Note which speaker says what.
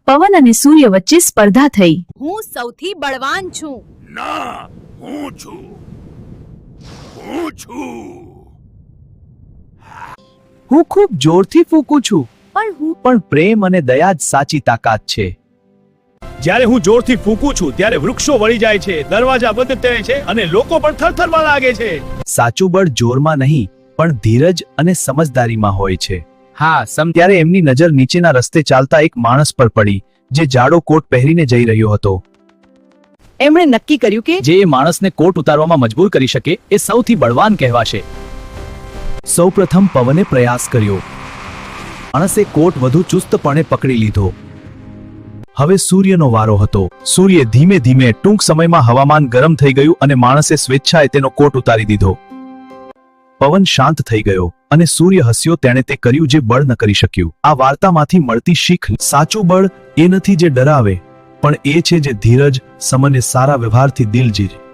Speaker 1: પવન અને સૂર્ય વચ્ચે સ્પર્ધા થઈ।
Speaker 2: હું સૌથી બળવાન છું।
Speaker 3: ના, હું છું।
Speaker 4: હું ખૂબ જોરથી ફૂંકું છું,
Speaker 2: પણ
Speaker 4: પણ પ્રેમ અને દયા જ સાચી તાકાત છે।
Speaker 3: જ્યારે હું જોરથી ફૂંકું છું ત્યારે વૃક્ષો વળી જાય છે, દરવાજા બંધ થાય છે અને લોકો પણ થરથરવા લાગે છે।
Speaker 4: સાચું બળ જોરમાં નહીં, પણ ધીરજ અને સમજદારીમાં હોય છે।
Speaker 5: હા,
Speaker 4: ત્યારે એમની નજર નીચેના રસ્તે ચાલતા એક માણસ પર પડી, જે જાડો કોટ પહેરીને જઈ રહ્યો હતો।
Speaker 5: એમણે નક્કી કર્યું કે
Speaker 4: જે એ માણસને કોટ ઉતારવામાં મજબૂર કરી શકે એ સૌથી બળવાન કહેવાશે। સૌપ્રથમ પવને પ્રયાસ કર્યો। માણસે કોટ વધુ ચુસ્તપણે પકડી લીધો। હવે સૂર્યનો વારો હતો। સૂર્ય ધીમે ધીમે ટૂંક સમયમાં હવામાન ગરમ થઈ ગયું અને માણસે સ્વેચ્છાએ તેનો કોટ ઉતારી દીધો। પવન શાંત થઈ ગયો અને સૂર્ય હસ્યો। તેણે તે કર્યું જે બળ ન કરી શક્યું। આ વાર્તામાંથી મળતી શીખ, સાચું બળ એ નથી જે ડરાવે, પણ એ છે જે ધીરજ, સમય અને સારા વ્યવહારથી દિલ જીતે।